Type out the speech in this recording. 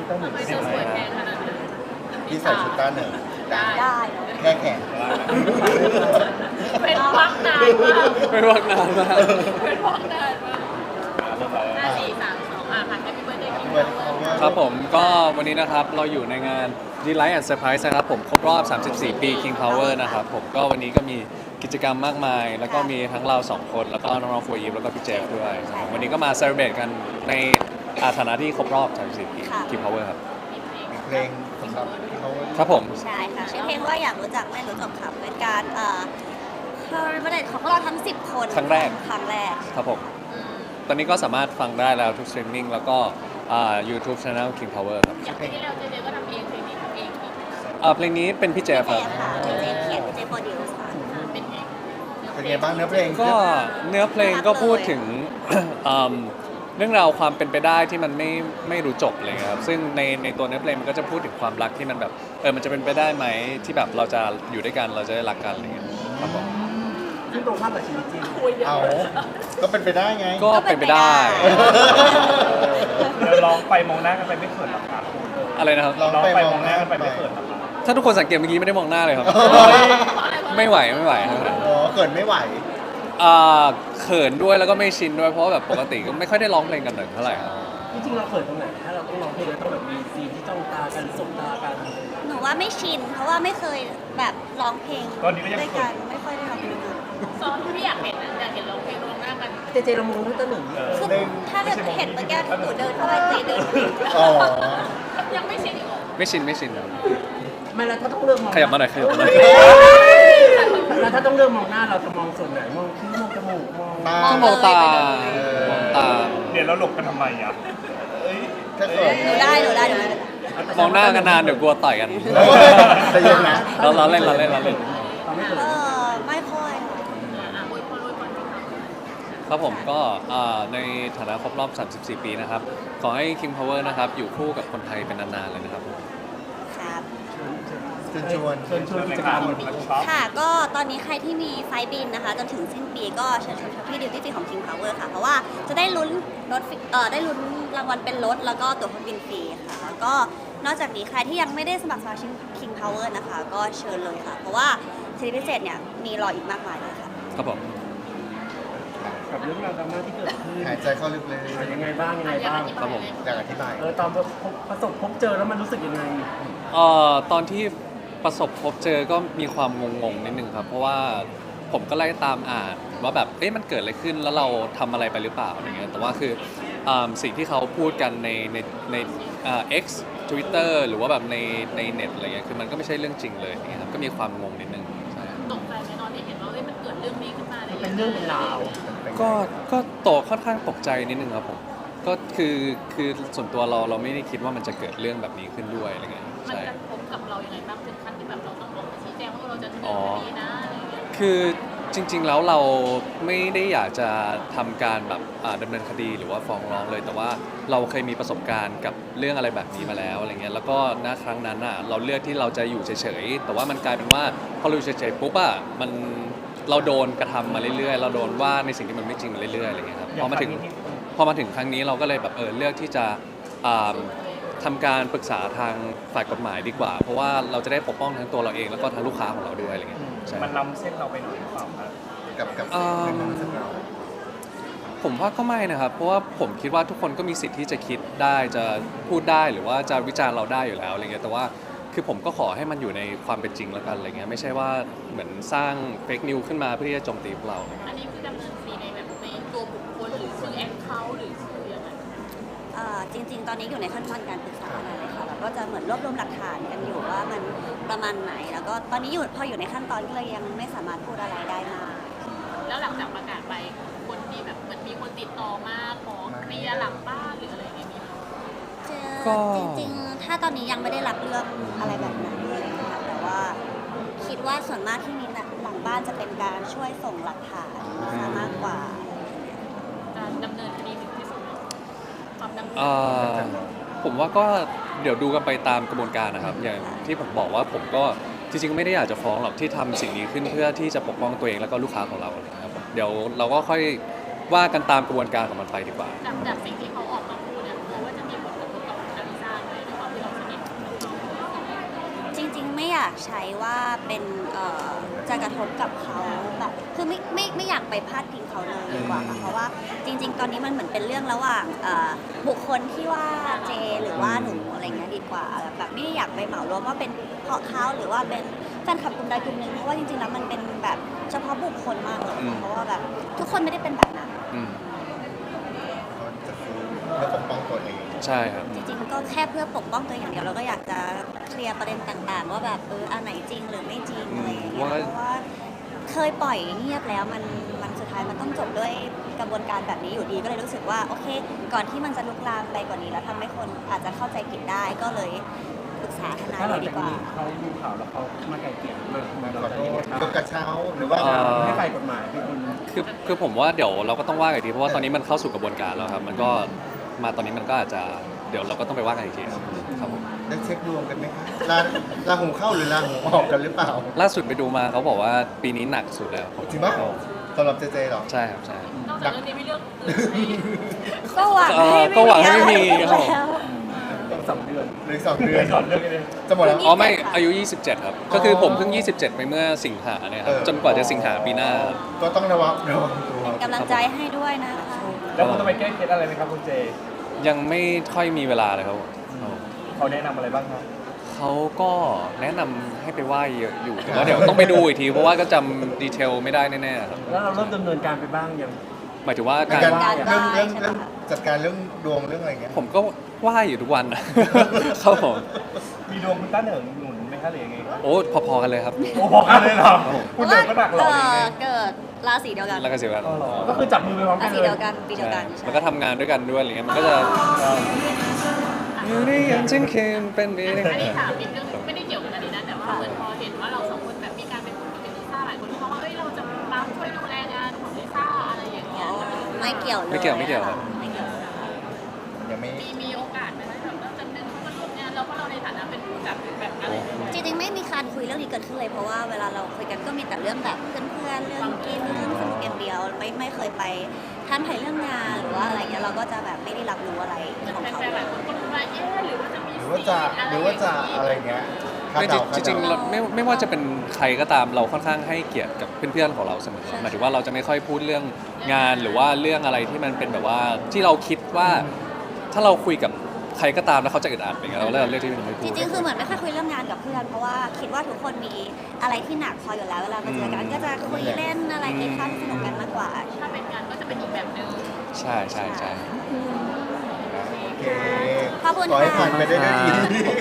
ต้าหนึ่งไม่ต้องสวยแพงขนาดนั้นพี่ใส่ชุดต้าหนึ่งได้ได้แค่แขนเป็นวักนานมากไม่ว่านานมากเป็นวักนานมาก5 4 3 2ค่ะแฮปปี้เบิร์ดเดย์คิงเปิดครับผมก็วันนี้นะครับเราอยู่ในงาน Delight and Surprise นะครับผมครบรอบ 34 ปี King Power นะครับผมก็วันนี้ก็มีกิจกรรมมากมาย แล้วก็มีทั้งเรา2คนแล้วก็น้องๆโฟยีฟแล้วก็พี่เจฟด้วยครับวันนี้ก็มาเซเลบรตกันในฐานะที่ครบรอบ 34 ปี King Power ครับเพลงครับเขาครับผมใช่ค่ะชื่อเพลงว่าอยากรู้จักไม่รู้จบค่ะเป็นการคอร์เรตของพวกเราทั้ง 10 คนครั้งแรก ครับผม ตอนนี้ก็สามารถฟังได้แล้วทุกสตรีมมิ่งแล้วก็YouTube Channel King Power ครับอย่างที่เราเจก็ทำเองเพลงนี้ทำเองอีกเพลงนี้เป็นพี่เจฟเจครับค่ะเจเขียนเจโปรดิวส์ค่ะเป็นเองเป็นไงบ้างเนื้อเพลงก็เนื้อเพลงก็พูดถึง เรื่องราวความเป็นไปได้ที่มันไม่รู้จบเลยครับซึ่งในตัวเนื้อเพลงมันก็จะพูดถึงความรักที่มันแบบมันจะเป็นไปได้ไหมที่แบบเราจะอยู่ด้วยกันเราจะได้รักกันอะไรเงี้ยครับผมซึ่งตรงข้ามกับชีวิตจริงเอาก็เป็นไปได้ไงก็เป็นไปได้แล้วร้องไปมองหน้ากันไปไม่เขินหรอครับอะไรนะครับลองร้องไปไปมมออง งหหน้าน้ากักัน นไปไปไม่เขินหรอครับถ้าทุกคนสังเกตเมื่อกี้ไม่ได้มองหน้าเลยครับ ไม่ไหวครับอ๋อเกิดไม่ไหวเขินด้วยแล้วก็ไม่ชินด้วยเพราะว่าแบบปกติก็ไม่ค่อยได้ร้องเพลงกันเท่าไหร่ครับจริงๆเราเขินตรงไหนถ้าเราต้องร้องเพลงเราต้องแบบมีซีนที่จ้องตากันสบตากันหนูว่าไม่ชิน เพราะว่าไม่เคยแบบร้องเพลงตอนนี้ก็ยังด้วยกันไม่ค่อยได้ร้องเพลงด้วยกันซ้อมที่อยากเห็นนะอยากเห็นร้องเพลงร้องหน้ากันเจเจเรามองตั้งแต่หนึ่งคือถ้าเกิดเห็นเมื่อกี้ที่หนูเดินเข้าไปเจเดินอ๋อยังไม่ชินอีกเหรอไม่ชินครับไม่แล้วถ้าต้องเลือกมองขยับมาหน่อยขยับมาหน่อยแล้วถ้าต้องเลือกมองหน้าเราจะมองส่วนไหนมองคิ้วมองจมูกมองตาต้องมองตามองตาเดี๋ยวเราหลบกันทำไมอ่ะถ้าเกิดหนูได้หนูได้หนูได้มองหน้ากันนานเดี๋ยวกลัวต่อยกันใจเย็นนะเราเล่นเราไม่เขินไม่ค่อยอวยพรสิครับครับผมก็ในฐานะครบรอบ 34 ปีนะครับ ขอให้ King Power นะครับ อยู่คู่กับคนไทยเป็นนานๆเลยนะครับครับเชิญชวนเชิญชวนกิจกรรมค่ะก็ตอนนี้ใครที่มีไฟล์บินนะคะจนถึงสิ้นปีก็เชิญชวนช้อปปี้ดิวตี้ฟรีของ King Power ค่ะ เพราะว่าจะได้ลุ้นรถได้ลุ้นรางวัลเป็นรถแล้วก็ตั๋วเครื่องบินฟรีค่ะแล้วก็นอกจากนี้ใครที่ยังไม่ได้สมัครสมาชิก King Power นะคะ ก็เชิญเลยค่ะ เพราะว่าสิทธิพิเศษเนี่ยมีรออีกมากมายเลยค่ะครับผมกับเรื่องราวดราม่าที่เกิดขึ้นหายใจเข้าลึกเลยยังไงบ้างยังไงบ้างครับผมอยากอธิบายตอนประสบพบเจอแล้วมันรู้สึกยังไงตอนที่ประสบพบเจอก็มีความงงๆนิดนึงครับ เพราะว่าผมก็ไล่ตามอ่านว่าแบบมันเกิดอะไรขึ้นแล้วเราทำอะไรไปหรือเปล่าอะไรเงี้ยแต่ว่าคือสิ่งที่เขาพูดกันในX Twitter หรือว่าแบบในเน็ตอะไรเงี้ยคือมันก็ไม่ใช่เรื่องจริงเลยอย่างเงี้ยครับก็มีความงงนิดนึงใช่ตกใจไหมตอนที่เห็นว่ามันเกิดเรื่องนี้ขึ้นมาเลยเป็นเรื่องเป็นราวก็ค่อนข้างตกใจนิดนึงครับผมก็คือส่วนตัวเราไม่ได้คิดว่ามันจะเกิดเรื่องแบบนี้ขึ้นด้วยอะไรเงี้ยมันใช่กระทบกับเรายังไงบ้างถึงขั้นที่แบบเราต้องออกมาชี้แจงว่าเราจะดำเนินคดีนะอะไรอย่างเงี้ยคือจริงๆแล้วเราไม่ได้อยากจะทำการแบบดำเนินคดีหรือว่าฟ้องร้องเลย แต่ว่าเราเคยมีประสบการณ์กับเรื่องอะไรแบบนี้มาแล้วอะไรเงี้ยแล้วก็ณครั้งนั้นเราเลือกที่เราจะอยู่เฉยๆแต่ว่ามันกลายเป็นว่าพอเราอยู่เฉยๆปุ๊บเราโดนกระทำมาเรื่อยๆเราโดนว่าในสิ่งที่มันไม่จริงมาเรื่อยๆอะไรเงี้ยครับพอมาถึงครั้งนี้เราก็เลยแบบเลือกที่จะทำการปรึกษาทางฝ่ายกฎหมายดีกว่า เพราะว่าเราจะได้ปกป้องทั้งตัวเราเองแล้วก็ทั้งลูกค้าของเราด้วยอะไรเงี้ยใช่มันล้ำเส้นเราไปหน่อยหรือเปล่าครับกับสิ่งที่มันรู้สึกเราผมว่าก็ไม่นะครับ เพราะว่าผมคิดว่าทุกคนก็มีสิทธิ์ที่จะคิดได้จะพูดได้หรือว่าจะวิจารณ์เราได้อยู่แล้วอะไรเงี้ยแต่ว่าคือผมก็ขอให้มันอยู่ในความเป็นจริงแล้วกันอะไรเงี้ยไม่ใช่ว่าเหมือนสร้างเฟกนิวขึ้นมาเพื่อที่จะโจมตีพวกเราอะไรเงี้ยอันนี้คือดำเนินคดีในแบบในตัวบุคคลหรือชื่อแอคเคาท์หรือชื่อยังไงจริงๆ ตอนนี้อยู่ในขั้นตอนการปรึกษาอะไรเลยค่ะ แล้วก็จะเหมือนรวบรวมหลักฐานกันอยู่ว่ามันประมาณไหน แล้วก็ตอนนี้พออยู่ในขั้นตอนก็เลยยังไม่สามารถพูดอะไรได้มากแล้วหลังจากประกาศไปคนที่แบบเหมือนมีคนติดต่อมาขอเคลียร์หลังบ้านหรืออะไรอย่างเงี้ยมีไหมจริงๆ ถ้าตอนนี้ยังไม่ได้รับเรื่องอะไรแบบนั้นเลยค่ะแต่ว่าคิดว่าส่วนมากที่มีหลังบ้านจะเป็นการช่วยส่งหลักฐานซะมากกว่าการดำเนินคดีถึงที่สุดความดำเนินผมว่าก็เดี๋ยวดูกันไปตามกระบวนการนะครับอย่างที่ผมบอกว่าผมก็จริงๆไม่ได้อยากจะฟ้องหรอกที่ทำสิ่งนี้ขึ้นเพื่อที่จะปกป้องตัวเองแล้วก็ลูกค้าของเรานะครับเดี๋ยวเราก็ค่อยว่ากันตามกระบวนการของมันไปดีกว่าจากสิ่งที่เขาออกมาพูดเนี่ยกลัวว่าจะมีผลกระทบกับอลิซ่าด้วยหรือเปล่าอยากใช้ว่าเป็นจะกระทบกับเขาแบบคือไม่อยากไปพาดพิงเขาเลยดีกว่าค่ะเพราะว่าจริง ๆ ตอนนี้มันเหมือนเป็นเรื่องระหว่างบุคคลที่ว่าเจหรือว่าหนูอะไรเงี้ยดีกว่าแบบไม่ได้อยากไปเหมารวมว่าเป็นเพราะเขาหรือว่าเป็นแฟนคลับกลุ่มใดกลุ่มหนึ่งเพราะว่าจริงๆแล้วมันเป็นแบบเฉพาะบุคคลมากเลยเพราะว่าแบบทุกคนไม่ได้เป็นแบบนั้นอืมเขาจะซื้อเพื่อปกป้องตัวเองใช่ครับจริงๆก็แค่เพื่อปกป้องตัวเองอย่างเดียวเราก็อยากจะเคลียร์ประเด็นต่างๆ ว่าแบบอันไหนจริงหรือไม่จริงอะไรอย่างเงี้ยว่าเพราะว่าเคยปล่อยเงียบแล้วมันสุดท้ายมันต้องจบด้วยกระบวนการแบบนี้อยู่ดีก็เลยรู้สึกว่าโอเค ก่อนที่มันจะลุกลามไปกว่านี้แล้วทำให้คนอาจจะเข้าใจผิดได้ก็เลยปรึกษาทนายถ้าหเลลังยดีจากกว่านี้เขาดูข่าวแล้วเขามาไกลเกลี่ยมาขเราอจะโทยังไงษครับยกกระเช้าหรือว่าให้ฝ่ายกฎหมายเป็นคนคือผมว่าเดี๋ยวเราก็ต้องว่ากันอีกทีเพราะว่าตอนนี้มันเข้าสู่กระบวนการแล้วครับมันก็มาตอนนี้มันก็อาจจะเดี๋ยวเราก็ต้องไปว่ากันอีกทีครับผมได้เช็คดวงกันไหมคะลาหูเข้าหรือลาหูออกกันหรือเปล่าล่าสุดไปดูมาเขาบอกว่าปีนี้หนักสุดแล้วจริงปะสำหรับเจเจเหรอใช่ครับใช่นอกจากเรื่องนี้มีเรื่องอื่นไหมก็หวังให้ก็หวังให้ไม่มีอะไรแล้ว 2 เดือนหรือ2 เดือนถอดเรื่องนี้เลยจะหมดแล้วอ๋อไม่อายุ 27 ครับ ก็คือผมเพิ่ง 27 ไปเมื่อสิงหาเนี่ยครับ จนกว่าจะสิงหาปีหน้าก็ต้องระวังตัวเป็นกำลังใจให้ด้วยนะคะแล้วคุณต้องไปแก้เคล็ดอะไรไหมครับคุณเจยังไม่ค่อยมีเวลาเลยครับเขาแนะนำอะไรบ้างครับเขาก็แนะนำให้ไปไหว้เยอะอยู่แต่ว่าเดี๋ยวต้องไปดูอีกที เพราะว่าก็จำดีเทลไม่ได้แน่ๆครับแล้วเราเริ่มดำเนินการไปบ้างยังหมายถึงว่าในการการได้เรื่องใช่ไหมคะจัดการเรื่องดวงเรื่องอะไรเงี้ยผมก็ไหว้อยู่ทุกวันนะ ครับผมมีดวงคุณต้าเหนิงหนุนไหมคะหรือยังไงครับโอ้พอๆกันเลยครับโอ้บอกกันเลยเหรอครับผมคุณเดินก็หนักเหรอหรือยังไงเกิดราศีเดียวกันแล้วก็เสียกันอ๋อเหรอก็คือจับมือไปพร้อมรากันศีเลยเดียวกันปีเดียวกันแล้วก็ทำงานด้วยกันด้วยอะไรเงี้ยมันก็จะอยู่ในยังจึงคืนเป็นไปได้อันนี้ถามนิดนึงไม่ได้เกี่ยวกับอันนี้นะแต่ว่าเหมือนพอเห็นว่าเราสองคนแบบมีการเป็นคนกับลิซ่าหลายคนเขาว่าเอ้ยเราจะมาช่วยดูแลงานของลิซ่าอะไรอย่างเงี้ยไม่เกี่ยวเลยไม่เกี่ยวครับไม่เกี่ยวยังไม่มีโอกาสไหมแบบเราจะดึงเขามาร่วมงานแล้วเพราะเราในฐานะเป็นผู้จัดแบบอะไรอย่างเงี้ยจริงๆไม่มีการคุยเรื่องนี้เกิดขึ้นเลยเพราะว่าเวลาเราคุยกันก็มีแต่เรื่องแบบเพื่อนๆเรื่องกินเรื่องสนุกอย่างเดียวไม่เคยไปท่านไทยเรื่องงานหรือว่าอะไรเงี้ยเราก็จะแบบไม่ได้รับรู้อะไรเหมือนของเขาแฟนๆหลายคนก็รู้ว่าเอ๊ะหรือว่าจะมีหรือว่าจะอะไรเงี้ยคาดไม่เดาจริงๆเราไม่ว่าจะเป็นใครก็ตามเราค่อนข้างให้เกียรติกับเพื่อนๆของเราเสมอหมายถึงว่าเราจะไม่ค่อยพูดเรื่องงานหรือว่าเรื่องอะไรที่มันเป็นแบบว่าที่เราคิดว่าถ้าเราคุยกับใครก็ตามแล้วเขาจะอึดอัดอย่างเงี้ยเราเลือกที่จะไม่พูจดริงๆคือเหมือนไม่ค่อยคุยเรื่องงานกับเพื่อนเพราะว่าคิดว่าทุกคนมีอะไรที่หนักพออยู่แล้วเวลามาเจอกันก็จะคุยเล่นอะไรกินข้าวสนุกกันมากกว่าถ้าเป็นงานก็จะเป็นอีกแบบนึงใช่ใช่ใช่โอเคขอบคุณขอให้ค่ะผ่านไปได้ด้วยดีขอบ